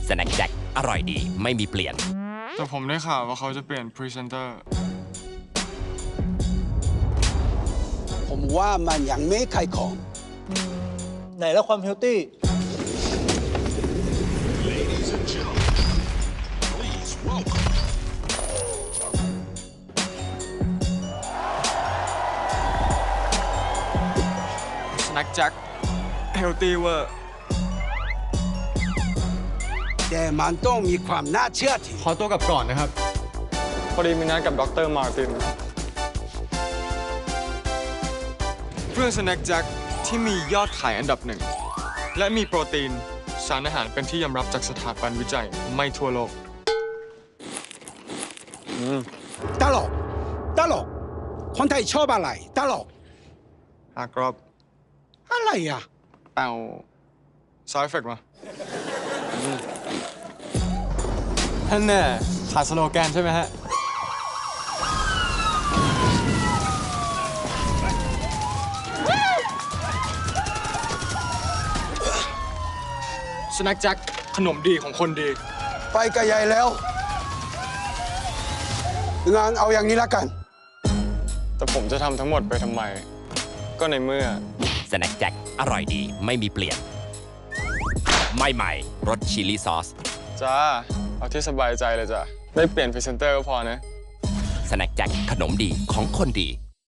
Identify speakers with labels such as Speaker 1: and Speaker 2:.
Speaker 1: สแน็คแจ็คอร่อยดีไม่มีเปลี่ยน
Speaker 2: แต่ผมได้ข่าวว่าเขาจะเปลี่ยนพรีเซนเตอร์
Speaker 3: ผมว่ามันยังไม่ขายของ
Speaker 4: ไหนแล้วความเฮลตี้
Speaker 2: สแน็คแจ็คเฮลตี้เวอร์
Speaker 3: แต่มันต้องมีความน่าเชื่อถือ
Speaker 2: ขอตัวกลับก่อนนะครับ พอดีมีนัดกับดร. มาร์ตินเพื่อสแน็คแจ็คที่มียอดขายอันดับหนึ่ง และมีโปรตีน สารอาหารเป็นที่ยอมรับจากสถาบันวิจัยไม่ทั่วโลก
Speaker 3: ตลกตลกคนไทยชอบอะไรตลก
Speaker 2: อากรอบ
Speaker 3: อะไรอ่ะ
Speaker 2: เป่าซาวด์เอฟเฟกต์มาท่านเนี่ยขาดสโลแกนใช่ไหมฮะ สแน็คแจ็คขนมดีของคนดี
Speaker 3: ไปกับยายแล้วงานเอาอย่างนี้ละกัน
Speaker 2: แต่ผมจะทำทั้งหมดไปทำไม ก็ในเมื่อ
Speaker 1: สแน็คแจ็คอร่อยดีไม่มีเปลี่ยนไม่ใหม่รสชิลลี่ซอส
Speaker 2: จ้า เอาที่สบายใจเลยจ้ะ ไม่เปลี่ยนพรีเซนเตอร์ก็พอนะ
Speaker 1: สแน็คแจ็คขนมดีของคนดี